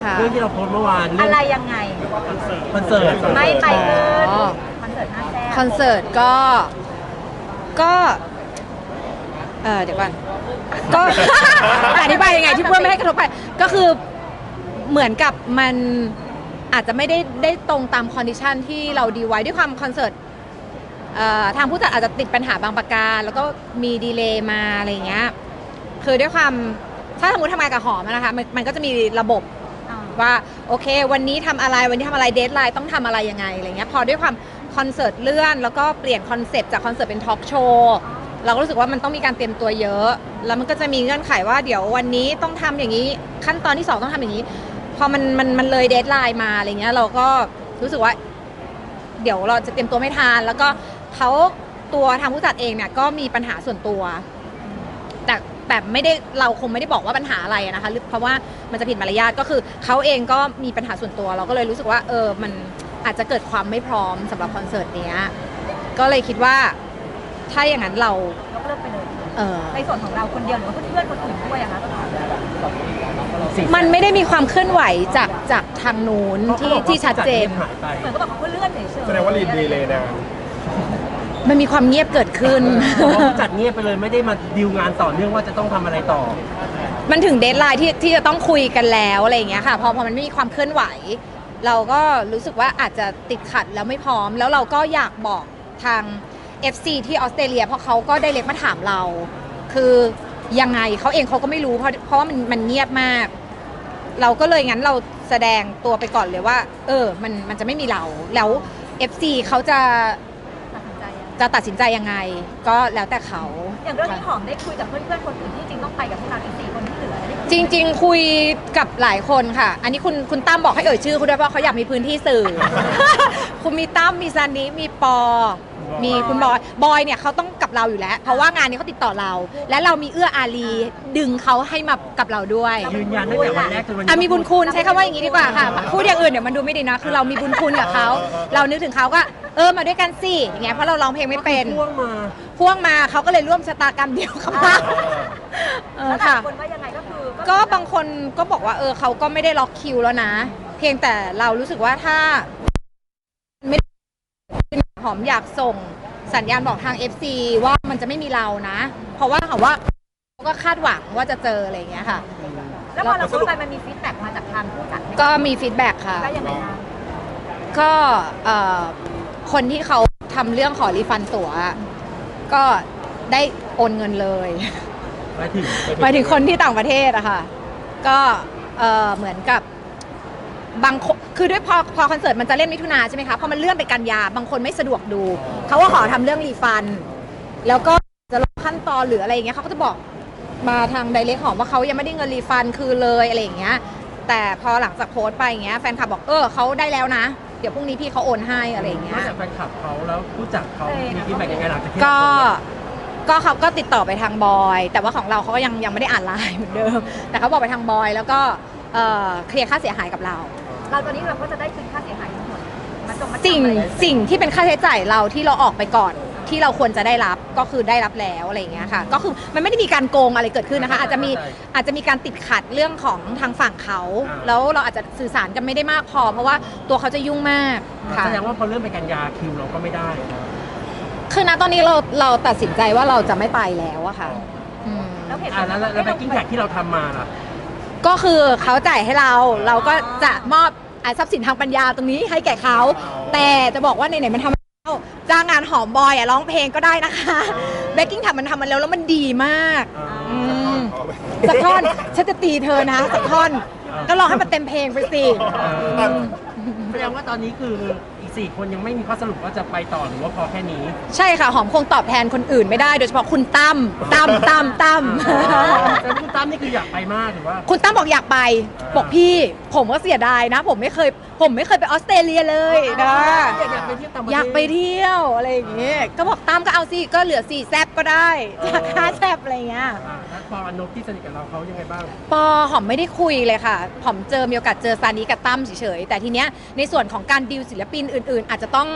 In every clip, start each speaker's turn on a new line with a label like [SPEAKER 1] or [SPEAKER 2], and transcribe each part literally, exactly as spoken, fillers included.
[SPEAKER 1] เรื่องที่เราโพสต์เมื่อวาน
[SPEAKER 2] อะไรยังไง
[SPEAKER 1] คอนเสิร์ต
[SPEAKER 2] ไม่ไปเลยคอนเสิร์ตห้าแซ่บ
[SPEAKER 3] คอนเสิร์ตก็ก็เออเดี๋ยวก่อนก็ อธิบายยังไงที่เพื่อไม่ให้กระทบไปก็คือเหมือนกับมันอาจจะไม่ได้ได้ตรงตามคอนดิชันที่เราดีไว้ด้วยความคอนเสิร์ตทางผู้จัดอาจจะติดปัญหาบางประการแล้วก็มีดีเลย์มาอะไรอย่างเงี้ยคือด้วยความถ้าสมมติทำงานกับหอมนะคะมันมันก็จะมีระบบว่าโอเควันนี้ทำอะไรวันนี้ทำอะไรเดทไลน์ต้องทำอะไรยังไงอะไรเงี้ยพอด้วยความคอนเสิร์ตเลื่อนแล้วก็เปลี่ยนคอนเซปต์จากคอนเสิร์ตเป็นทอล์กโชว์เราก็รู้สึกว่ามันต้องมีการเตรียมตัวเยอะแล้วมันก็จะมีเงื่อนไขว่าเดี๋ยววันนี้ต้องทำอย่างนี้ขั้นตอนที่สองต้องทำอย่างนี้พอมันมันมันเลยเดทไลน์มาอะไรเงี้ยเราก็รู้สึกว่าเดี๋ยวเราจะเตรียมตัวไม่ทันแล้วก็เขาตัวทางผู้จัดเองเนี่ยก็มีปัญหาส่วนตัวแต่แต่ไม่ได้เราคงไม่ได้บอกว่าปัญหาอะไรนะคะเพราะว่ามันจะผิดมารยาทก็คือเขาเองก็มีปัญหาส่วนตัวเราก็เลยรู้สึกว่าเออมันอาจจะเกิดความไม่พร้อมสำหรับคอนเสิร์ตเนี้ยก็เลยคิดว่าถ้าอย่างนั้นเรา
[SPEAKER 2] ยกเลิกไปเลย
[SPEAKER 3] เออ
[SPEAKER 2] ในส่วนของเราคนเดียวหรือว่าเพื่อนๆคนอื่นด้วยอะคะ
[SPEAKER 3] มันไม่ได้มีความเคลื่อนไหวจากจากทางนู้นที่ที่ชัดเจน
[SPEAKER 2] เหมือนก็บอกเขาเลื่อนเฉยๆ
[SPEAKER 4] แสดงว่ารีดีเลยนะ
[SPEAKER 3] มันมีความเงียบเกิดขึ้น
[SPEAKER 1] ผู้จัดเงียบไปเลยไม่ได้มาดีลงานต่อเนื่องว่าจะต้องทำอะไรต่อ
[SPEAKER 3] มันถึงเดดไลน์ที่ที่จะต้องคุยกันแล้วอะไรอย่างเงี้ยค่ะพอพอมันไม่มีความเคลื่อนไหวเราก็รู้สึกว่าอาจจะติดขัดแล้วไม่พร้อมแล้วเราก็อยากบอกทาง เอฟ ซี ที่ออสเตรเลียเพราะเขาก็ได้เล็กมาถามเราคือยังไงเขาเองเขาก็ไม่รู้เพราะเพราะว่ามันมันเงียบมากเราก็เลยงั้นเราแสดงตัวไปก่อนเลยว่าเออมันมันจะไม่มีเราแล้ว เอฟ ซี เขาจะจะตัดสินใจยังไงก็แล้วแต่เขา
[SPEAKER 2] อย่างเรื่องที่หอมได้คุยกับเพื่อนๆคนอื่นที่จริงต้องไปกับพวกเราอีกสี่คนที่เหลือ
[SPEAKER 3] จริงๆคุยกับหลายคนค่ะอันนี้คุณคุณตั้มบอกให้เอ่ยชื่อคุณด้วยเพราะเขาอยากมีพื้นที่สื่อ คุณมีตั้มมีซานิมีปอมีคุณบอยบอยเนี่ยเขาต้องกับเราอยู่แล้วเพราะว่างานนี้เขาติดต่อเราและเรามีเอื้ออารีดึงเขาให้มากับเราด้วย
[SPEAKER 1] ยืนยันตั้งแต่วันแรกจนวันนี้
[SPEAKER 3] อ่ะมีบุญคุณใช้คำว่าอย่างนี้ดีกว่าค่ะพูดอย่างอื่นเดี๋ยวมันดูไม่ดีนะคือเรามีบุญคุณกับเขาเรานึกถึงเขาก็เออมาด้วยกันสิอย่างเงี้ยเพราะเราร้องเพลงไม่เป็น
[SPEAKER 1] พ่วงมา
[SPEAKER 3] พ่วงมาเขาก็เลยร่วมชะตากรรมเดียวกับเรา
[SPEAKER 2] เออค่ะคนว่ายังไงก็คือ
[SPEAKER 3] ก็บางคนก็บอกว่าเออเขาก็ไม่ได้ล็อกคิวแล้วนะเพียงแต่เรารู้สึกว่าถ้าไม่หอมอยากส่งสัญญาณบอกทาง เอฟ ซี ว่ามันจะไม่มีเรานะเพราะว่าเขาว่าเขาก็คาดหวังว่าจะเจออะไรอย่างเงี้ยค่ะ
[SPEAKER 2] แล้วพอเราพูดไปมันมีฟีดแบ็กมาจากทางผู้จัด
[SPEAKER 3] ก็มีฟีดแบ็กค่ะ
[SPEAKER 2] ก็ยังไงคะ
[SPEAKER 3] ก็คนที่เขาทำเรื่องขอรีฟันตั๋วก็ได้โอนเงินเลย
[SPEAKER 1] หมายถึง
[SPEAKER 3] หมายถึงคนที่ต่างประเทศอะค่ะก็เหมือนกับบางคือด้วยพอพอคอนเสิร์ตมันจะเล่นมิถุนาใช่ไหมคะพอมันเลื่อนไปกันยาบางคนไม่สะดวกดูเขาก็ขอทำเรื่องรีฟันแล้วก็จะลงขั้นตอนหรืออะไรอย่างเงี้ยเขาก็จะบอกมาทางไดเรกหอมว่าเขายังไม่ได้เงินรีฟันคือเลยอะไรอย่างเงี้ยแต่พอหลังจากโพสต์ไปอย่างเงี้ยแฟนคลับบอกเออเขาได้แล้วนะเดี๋ยวพรุ่งนี้พี่เขาโอนให้อะไรอย่างเงี้ย
[SPEAKER 1] นอกจากแฟนคลับเขาแล้วผู้จัดเขามีฟีดแบ็กยังไงหลังจากที่
[SPEAKER 3] ก็ก็เขาก็ติดต่อไปทางบอยแต่ว่าของเราเขาก็ยังยังไม่ได้อ่านไลน์เหมือนเดิมแต่เขาบอกไปทางบอยแล้วก็เคลียร์ค่าเสียหายกับเรา
[SPEAKER 2] เราตอนนี้เราก็จะได้คืนค่าเสียหายทั้งหมด
[SPEAKER 3] สิ่งสิ่งที่เป็นค่าใช้จ่ายเราที่เราออกไปก่อนที่เราควรจะได้รับก็คือได้รับแล้วอะไรอย่างเงี้ยค่ะก็คือมันไม่ได้มีการโกงอะไรเกิดขึ้นนะคะอาจจะมีอาจจะมีการติดขัดเรื่องของทางฝั่งเขาแล้วเราอาจจะสื่อสารกันไม่ได้มากพอเพราะว่าตัวเขาจะยุ่งมาก
[SPEAKER 1] ค่ะแสดงว่าพอเริ่มไปกันยาคิวเราก็ไม่ได้
[SPEAKER 3] คือณตอนนี้เราเราตัดสินใจว่าเราจะไม่ไปแล้วอะค่ะ
[SPEAKER 2] แล้วเหตุ
[SPEAKER 1] ผลแล้วแล้วแบ็คกิ้งแท็กที่เราทำมาล่ะ
[SPEAKER 3] ก็คือเขาจ่ายให้เราเราก็จะมอบทรัพย์สินทางปัญญาตรงนี้ให้แก่เขาแต่จะบอกว่าไหนๆมันทำแล้วจ้างงานหอมบอยอ่ะร้องเพลงก็ได้นะคะแบ็คกิ้งแท็กมันทำมันแล้วแล้วมันดีมากสักท่อนฉันจะตีเธอนะสักท่อนก็ร้องให้มันเต็มเพลงไปสิ
[SPEAKER 1] แสดงว่าตอนนี้คืออีกสี่คนยังไม่มีข้อสรุปว่าจะไปต่อหรือว่าพอแค่นี้
[SPEAKER 3] ใช่ค่ะหอมคงตอบแทนคนอื่นไม่ได้โดยเฉพาะคุณตั้มตั้มตั้มตั้ม
[SPEAKER 1] แต่คุณตั้มนี่คืออยากไปมากหรือว่า
[SPEAKER 3] คุณตั้มบอกอยากไปบอกพี่ผมก็เสียดายนะผมไม่เคยผมไม่เคยไปออสเตรเลียเลยนะ
[SPEAKER 1] อยากไปเที่ยวต่างประเทศ
[SPEAKER 3] อยากไปเที่ยวอะไรอย่างเงี้ยก็บอกตั้มก็เอาสิก็เหลือสี่แซบก็ได้จากห้าแซบอะไรเงี้ย
[SPEAKER 1] ปออนุที่สนิทกับเราเขายังไงบ้าง
[SPEAKER 3] ปอหอมไม่ได้คุยเลยค่ะหอมเจอมีโอกาสเจอซานิกับตั้มเฉยๆแต่ทีเนี้ยในส่วนของการดีลศิลปินอื่นๆอาจจะต้อง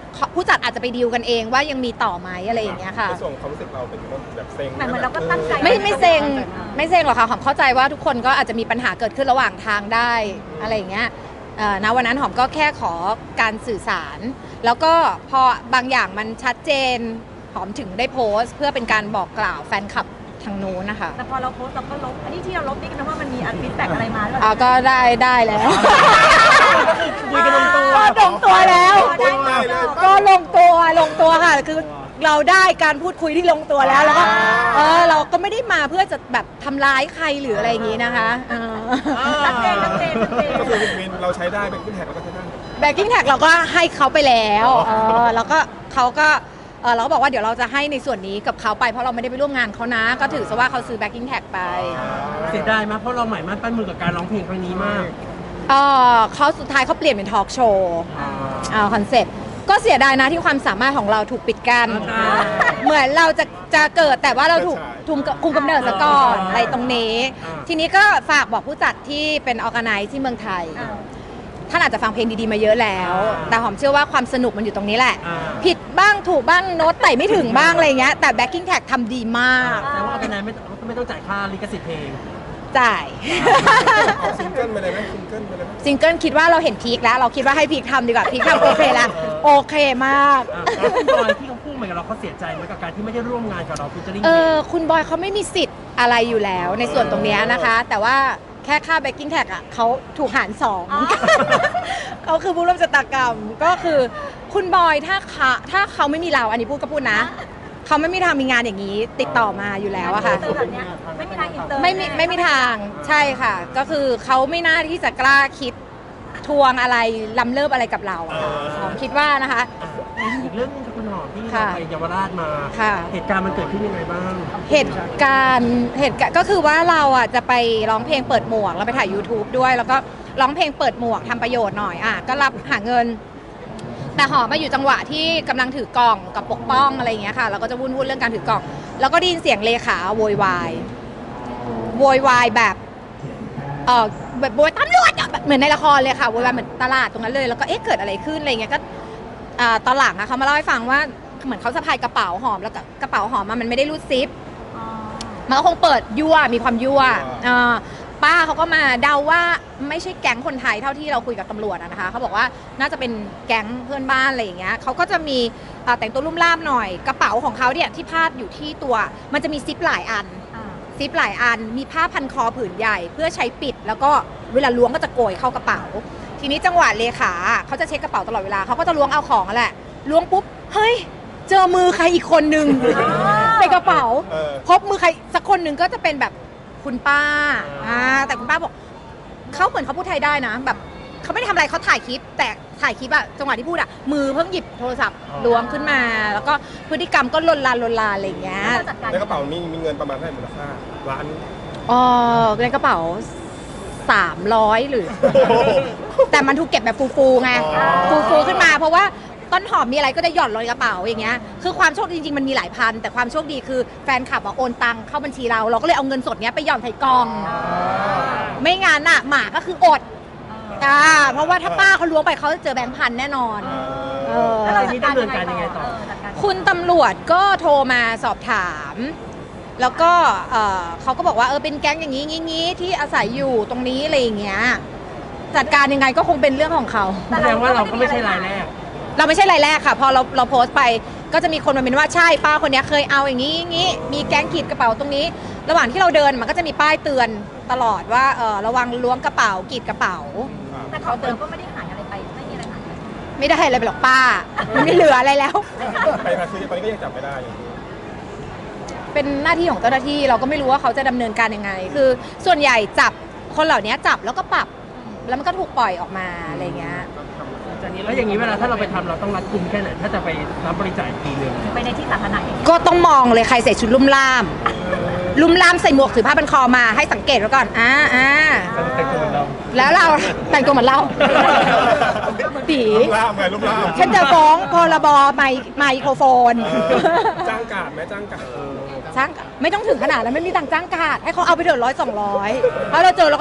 [SPEAKER 3] ผู้จัดอาจจะไปดีลกันเองว่ายังมีต่อไหมอะไรอย่างเงี้ยค่ะ
[SPEAKER 4] ในส่วนของความรู้สึกเราเป็นแบบเซ็ง
[SPEAKER 2] เหมือนเราก็ตั้งใจ
[SPEAKER 3] ไม่ไม่เซ็งไม่เซ็งหรอกค่ะหอมเข้าใจว่าทุกคนก็อาจจะมีปัญหาเกิดขึ้นระหว่างทางได้อะไรอย่างเงี้ยเอ่อณวันนั้นหอมก็แค่ขอการสื่อสาร แล้วก็พอบางอย่างมันชัดเจนหอมถึงได้โพสต์ เพื่อเป็นการบอกกล่าวแฟนคลับทางนู้นนะคะ
[SPEAKER 2] แต่พอเราโพสต์เราก็ลบอันนี้ที่เราลบนี่ก็แปลว่ามันมีอันฟีดแบ็กอะไรมาหรือเป
[SPEAKER 3] อ่า
[SPEAKER 2] ล่า
[SPEAKER 3] ก็ได้ได้แล้ว
[SPEAKER 1] คุยกันลงตัว
[SPEAKER 3] ก็ลงตัวแล้ว
[SPEAKER 2] ได้ได้ได้
[SPEAKER 3] ก็ลงตัวลงตัวค่ะคือเราได้การพูดคุยที่ลงตัวแล้วแล้วก็เออเราก็ไม่ได้มาเพื่อจะแบบทำร้ายใครหรืออะไรอย่างนี้นะคะเออ
[SPEAKER 2] ชัดเจนชัดเจนชัดเจน
[SPEAKER 4] ก็คือวินเราใช้ได้เป็นขึ้นแท็กเราก็ใช้ได้
[SPEAKER 3] แบกกิ้งแท็กเราก็ให้เขาไปแล้วเออแล้วก็เขาก็เออเราก็บอกว่าเดี๋ยวเราจะให้ในส่วนนี้กับเขาไปเพราะเราไม่ได้ไปร่วมงานเขานะ ก็ถือซะว่าเขาซื้อแบกกิ้งแท็กไป
[SPEAKER 1] เสียดายมากเพราะเราหมายมั่นปั้นมือกับการร้องเพลงครั้งนี้มาก
[SPEAKER 3] เออเขาสุดท้ายเขาเปลี่ยนเป็นทอล์กโชว์
[SPEAKER 1] อ่า
[SPEAKER 3] เอาคอนเซ็ปต์ก็เสียดายนะที่ความสามารถของเราถูกปิดกั้น
[SPEAKER 1] อ่า
[SPEAKER 3] เหมือนเราจะจะเกิดแต่ว่าเราถูกทุมคุมกำเนิดซะก่อน
[SPEAKER 1] อ่า
[SPEAKER 3] อะไรตรงนี้
[SPEAKER 1] อ่า
[SPEAKER 3] ทีนี้ก็ฝากบอกผู้จัดที่เป็นออร์แกไนซ์ที่เมืองไทย ท่านอาจจะฟังเพลงดีๆมาเยอะแล้ว แต่หอมเชื่อว่าความสนุกมันอยู่ตรงนี้แหละ
[SPEAKER 1] อ่า
[SPEAKER 3] ผิดบ้างถูกบ้างโน้ตไต่ไม่ถึงบ้างอะไรเงี้ยแต่แบ็กกิ้งแท็กทำดีมาก
[SPEAKER 1] แต่ว่าคะแนนไม่ไม่ต้องจ่ายค่าลิขสิทธิ์เพลง
[SPEAKER 3] จ่าย
[SPEAKER 4] ออกซิงเกิลไปเลยไหมซิงเกิลไปเลยไหม
[SPEAKER 3] ซิงเกิลคิดว่าเราเห็นพีคแล้ว เราคิดว่าให้พีคทำดีกว่าพีคทำโอเคแล้วโอเคมาก
[SPEAKER 1] อ่ะแล้วคุณบอยที่เขาพูดเหมือนกับเราเขาเสียใจไหมกับการที่ไม่ได้ร่วมงานกับเราฟิชเจอริ่ง
[SPEAKER 3] เออคุณบอยเขาไม่มีสิทธิ์อะไรอยู่แล้วในส่วนตรงเนี้ยนะคะ แต่ว่าแค่ค่าแบ็กกิ้งแท็กอ่ะเขาถูกหารสอง
[SPEAKER 2] อ๋อ
[SPEAKER 3] เขาคือผู้ร่วมชะตากรรมก็คือคุณบอยถ้าเขาถ้าเขาไม่มีเราอันนี้พูดก็พูดนะ เขาไม่มีทางมีงานอย่างนี้ติดต่อมาอยู่แล้วอะค่ะ
[SPEAKER 2] อินเตอร์แบบเนี้ยไม่มีทางอินเตอร์
[SPEAKER 3] ไม่มีไม่มีทางใช่ค่ะ ก็คือเขาไม่น่าที่จะกล้าคิดทวงอะไรล้ำเลิศอะไรกับเราอะค่ะหอมคิดว่านะคะ
[SPEAKER 1] อ่ะอีกเรื่องหนึงคือคุณหอมที่เรา
[SPEAKER 3] ค่ะ
[SPEAKER 1] ไปเยาวราชมา
[SPEAKER 3] ค่ะ
[SPEAKER 1] เหตุการณ์มันเกิดขึ้นยังไงบ้าง
[SPEAKER 3] เหตุการณ์เหตุการณ์ก็คือว่าเราอ่ะจะไปร้องเพลงเปิดหมวกเราไปถ่าย YouTube ด้วย แล้วก็ร้องเพลงเปิดหมวกทำประโยชน์หน่อยอ่ะก็รับหาเงิน แต่หอมมาอยู่จังหวะที่กำลังถือกล่องกับปกป้องอะไรอย่างเงี้ยค่ะเราก็จะวุ่นวุ่นเรื่องการถือกล่อง แล้วก็ได้ยินเสียงเลขาโวยวายโวยวายแบบเออแบบโวยตำรวจอะแบบเหมือนในละครเลยค่ะโวยวายเหมือนตลาดตรงนั้นเลยแล้วก็เอ๊ะเกิดอะไรขึ้นอะไรเงี้ยก็อ่าตอนหลังอะเขามาเล่าให้ฟังว่าเหมือนเขาสะพายกระเป๋าหอมแล้วก็กระเป๋าหอมอะมันไม่ได้รูดซิป
[SPEAKER 2] อ๋อ
[SPEAKER 3] มันก็คงเปิดยั่วมีความยั่วเอ่อป้าเขาก็มาเดาว่าไม่ใช่แก๊งคนไทยเท่าที่เราคุยกับตำรวจอะนะคะเขาบอกว่าน่าจะเป็นแก๊งเพื่อนบ้านอะไรอย่างเงี้ยเขาก็จะมีเอ่อแต่งตัวลุ่มล่ามหน่อยกระเป๋าของเขาเนี่ยที่พาดอยู่ที่ตัว มันจะมีซิปหลายอัน
[SPEAKER 2] อ่า
[SPEAKER 3] ซิปหลายอันมีผ้าพันคอผืนใหญ่ เพื่อใช้ปิด แล้วก็เวลาล้วงก็จะโกยเข้ากระเป๋า ทีนี้จังหวะเลขาเขาจะเช็คกระเป๋าตลอดเวลาเขาก็จะล้วงเอาของนั่นแหละล้วงปุ๊บเฮ้ยเจอมือใครอีกคนนึงในกระเป๋า
[SPEAKER 4] เออ
[SPEAKER 3] พบมือใครสักคนหนึ่งก็จะเป็นแบบคุณป้าอ่าแต่คุณป้าบอกเขาเหมือนเขาพูดไทยได้นะ แบบเขาไม่ได้ทำอะไรเขาถ่ายคลิป แต่ถ่ายคลิปอะจังหวะที่พูดอะมือเพิ่งหยิบโทรศัพท์ล้วงขึ้นมา แล้วก็พฤติกรรมก็ลนลานลนลานอะไรอย่างเงี้ย
[SPEAKER 2] แล้วเราจัดการ
[SPEAKER 4] ในกระเป๋ามีมีเงินประมาณเท่าไหร่มูลค่าล้าน
[SPEAKER 3] อ๋อในกระเป๋าสามร้อยหรือ แต่มันถูกเก็บแบบฟูๆไง
[SPEAKER 4] อ๋อ
[SPEAKER 3] ฟูๆขึ้นมา เพราะว่าต้นหอมมีอะไรก็จะหย่อนลงในกระเป๋าอย่างเงี้ยคือความโชคดีจริงๆมันมีหลายพัน แต่ความโชคดีคือแฟนคลับอะโอนตังเข้าบัญชีเรา เราก็เลยเอาเงินสดเนี้ยไปหย่อนใส่กล่อง ไม่งั้นอะหมาก็คืออดอ่าเพราะว่าถ้าป้าเขาล้วงไปเขาจะเจอแบงค์พันแน่นอน เออ
[SPEAKER 2] แล้วเราจัดการยังไงต่อเออจัดการ
[SPEAKER 3] คุณตำรวจก็โทรมาสอบถาม แล้วก็เอ่อเขาก็บอกว่าเออเป็นแก๊งอย่างนี้งี้งี้ที่อาศัยอยู่ตรงนี้อะไรอย่างเงี้ยจัดการยังไงก็คงเป็นเรื่องของเขา
[SPEAKER 1] แสดงว่าเราก็ไม่ใช่รายแรก
[SPEAKER 3] เราไม่ใช่รายแรกค่ะ พอเราเราโพสต์ไปก็จะมีคนมาเป็นว่าใช่ป้าคนเนี้ยเคยเอาอย่างนี้อย่างนี้มีแก๊งขีดกระเป๋าตรงนี้ ระหว่างที่เราเดินมันก็จะมีป้ายเตือนตลอดว่าเออระวังล้วงกระเป๋ากีดกระเป๋า
[SPEAKER 2] แต่ของเราก็ไม่ได้หายอะไรไปไม่มีอะไรหายไป
[SPEAKER 3] ไม่ได้อะไรไปหรอกป้ามันไม่เหลืออะไรแล้ว
[SPEAKER 4] ไปมาคือตอนนี้ก็ยังจับไม่ได้อยู่
[SPEAKER 3] เป็นหน้าที่ของเจ้าหน้าที่เราก็ไม่รู้ว่าเขาจะดำเนินการยังไง คือส่วนใหญ่จับคนเหล่านี้จับแล้วก็ปรับ แล้วมันก็ถูกปล่อยออกมาอะไรเงี้ย
[SPEAKER 1] แล้วอย่างนี้เวลาถ้าเราไปทำเราต้องรัดกุมแค่ไหนถ้าจะไปรับบริจาคอีกทีหนึ่ง
[SPEAKER 2] ไปในที่สาธารณะอย่างเงี้ย
[SPEAKER 3] ก็ต้องมองเลยใครใส่ชุดลุ่มล่าม ลุ่มล่ามใส่หมวกถือผ้าพันคอมาให้สังเกตไว้ก่อนอ่าอ่า
[SPEAKER 1] แต่งตัวเหมือนเรา
[SPEAKER 3] แล้วเราแต่งตัวเหมือนเราตี
[SPEAKER 4] ลูกล่ามไงลูกล่าม
[SPEAKER 3] ฉันจะฟ้องพรบไมไมโครโฟน
[SPEAKER 4] เออจ้างกาดไหมจ้างกาด
[SPEAKER 3] จ้างไม่ต้องถึงขนาดนั้นไม่มีตังค์จ้างกาดให้เขาเอาไปเถอะร้อยสองร้อยเพราะเราเจอเราก็จะ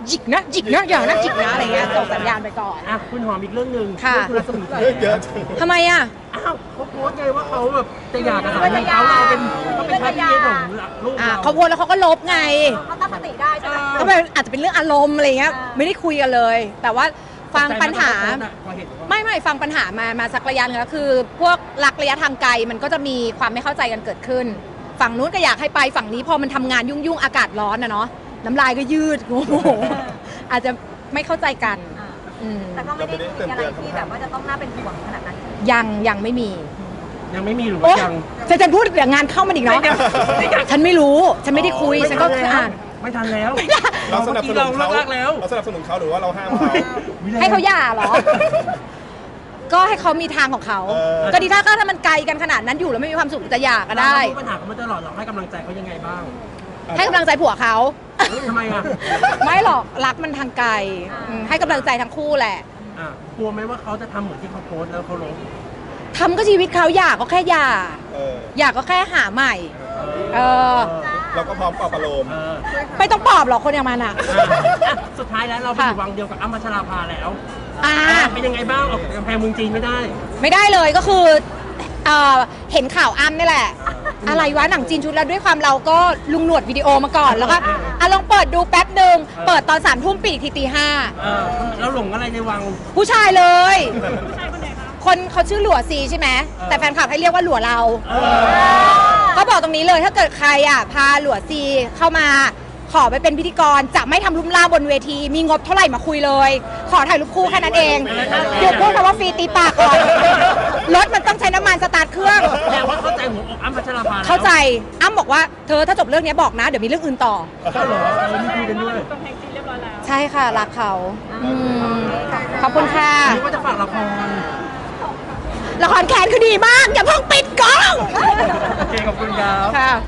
[SPEAKER 3] จิกนะจิกนะอย่างนะจิกนะอะไรเงี้ยส่งสัญญาณไปก่อน
[SPEAKER 1] อ่ะคุณหอมอีกเรื่องหนึ่ง
[SPEAKER 3] ค่ะ
[SPEAKER 1] เรื่องคุณรัศมีแข
[SPEAKER 4] เยอะเยอะจัง
[SPEAKER 3] ทำไมอ่ะ
[SPEAKER 1] อ้าวเขาโพสต์ไงว่าเขาแบบจะหย่ากับสามีเขาเราเป็นเขาเป็นพระพี่ของลูก
[SPEAKER 3] อ่า
[SPEAKER 1] เรา
[SPEAKER 3] เขาโพสต์แล้วเขาก็ลบไง
[SPEAKER 2] เขาตั้งสติได้ใช่ไหม
[SPEAKER 3] ก็เป็นอาจจะเป็นเรื่องอารมณ์อะไรเงี้ย
[SPEAKER 2] อ่า
[SPEAKER 3] ไม่ได้คุยกันเลย แต่ว่าฟังปัญหา
[SPEAKER 1] พอเห็นว่า
[SPEAKER 3] ไม่ไม่ฟังปัญหามามาสักระยะหนึงแล้วคือ พวกรักระยะทางไกลมันก็จะมีความไม่เข้าใจกันเกิดขึ้น ฝั่งนู้นก็อยากให้ไปฝั่งนี้พอมันทำงานยุ่งยุ่งๆอากาศร้อนนะเนาะน้ำลายก็ยืดโอ้โหอาจจะไม่เข้าใจกัน
[SPEAKER 2] อ่า
[SPEAKER 3] อืม
[SPEAKER 2] แต่ก็ไม่ได้มีอะไรที่แบบว่าจะต้องน่าเป็นห่วงขนาดนั้น
[SPEAKER 3] ยังยังไม่มี
[SPEAKER 1] ยังไม่มีหรือ
[SPEAKER 3] โอ้
[SPEAKER 1] ว่ายัง
[SPEAKER 3] จะจะพูดเดี๋ยวงานเข้ามันอีกเนาะ
[SPEAKER 1] ไม่อยากไม่อยาก
[SPEAKER 3] ฉันไม่รู้ฉันไม่ได้คุยฉันก็แค่อ่าน
[SPEAKER 1] ไม่ทันแล้ว
[SPEAKER 4] เราสนับสนุน
[SPEAKER 1] เรา
[SPEAKER 4] เขา
[SPEAKER 1] เลิกแล้ว
[SPEAKER 4] เราสนับสนุนเขาหรือว่าเราห้ามเขา
[SPEAKER 3] ให้เขาหย่าเหรอ ก็ให้เขามีทางของเขา
[SPEAKER 4] เออ
[SPEAKER 3] ก็ดีถ้าถ้ามันไกลกันขนาดนั้นอยู่แล้วไม่มีความสุขจะหย่าก็ได้
[SPEAKER 1] เรารู้ปัญหาเขามาตลอดเราให้กำลังใจเขายังไงบ้าง
[SPEAKER 3] ให้กำลังใจผัวเขา
[SPEAKER 1] เฮ้ยทำไมอ่ะ
[SPEAKER 3] ไม่หรอกรักมันทางไกลอืมให้กำลังใจทั้งคู่แหละ
[SPEAKER 1] อ่ะกลัวไหมว่าเขาจะทำเหมือนที่เขาโพสต์แล้วเขาลบ
[SPEAKER 3] ทำก็ชีวิตเขาหย่าก็แค่หย่า
[SPEAKER 4] เออ
[SPEAKER 3] หย่าก็แค่หาใหม่ เออ
[SPEAKER 4] เราก็พร้อมปลอบประโลม
[SPEAKER 1] เออ
[SPEAKER 3] ไม่ต้องปลอบหรอกคนอย่างมันอ่ะ
[SPEAKER 1] อ่ะสุดท้ายแล้วเราไปอยู่วังเดียวกับอ้ำพัชราภาแล้ว
[SPEAKER 3] อ่า
[SPEAKER 1] อ่ะเป็นยังไงบ้างออกจากกำแพงเมืองจีนไม่ได้
[SPEAKER 3] ไม่ได้เลยก็คือเอ่อเห็นข่าวอ้ำนี่แหละ อะไรวะหนังจีนชุดแล้วด้วยความเราก็ลุงหนวดวิดีโอมาก่อนแล้วก็อ่ะลองเปิดดูแป๊บหนึ่งเปิดตอนสามทุ่มปีกทีตีห้า
[SPEAKER 1] เออแล้วหลงอะไรในวัง
[SPEAKER 3] ผู้ชายเลย คนเขาชื่อหลัวซีใช่ไหมแต่แฟนคลับให้เรียกว่าหลัวเรา
[SPEAKER 1] เออ
[SPEAKER 3] ก็บอกตรงนี้เลยถ้าเกิดใครอ่ะพาหลัวซีเข้ามาขอไปเป็นพิธีกรจะไม่ทำลุ่มล่ามบนเวที มีงบเท่าไหร่มาคุยเลย ขอถ่ายรูปคู่แค่นั้นเองหยุดพูดคำว่าฟรีตีปากก่อนรถมันต้องใช้น้ำมันสตาร์ทเครื่อง
[SPEAKER 1] แต่ว่าเข้าใจหัวอกอ้ำพัชราภาแล้ว
[SPEAKER 3] เข้าใจอ้ำบอกว่าเธอถ้าจบเรื่องนี้บอกนะ เดี๋ยวมีเรื่องอื่นต่อ
[SPEAKER 1] ก็เหรอเออมีคุยกันด้วย
[SPEAKER 3] ใช่ค่ะ รักเขาอืมขอบคุณค่ะ
[SPEAKER 1] นึกว่าจะฝากละคร
[SPEAKER 3] ละครแคนคือดีมาก อย่าเพิ่งปิดกล้อง
[SPEAKER 1] โอเคขอบคุณครับ
[SPEAKER 3] ค่ะ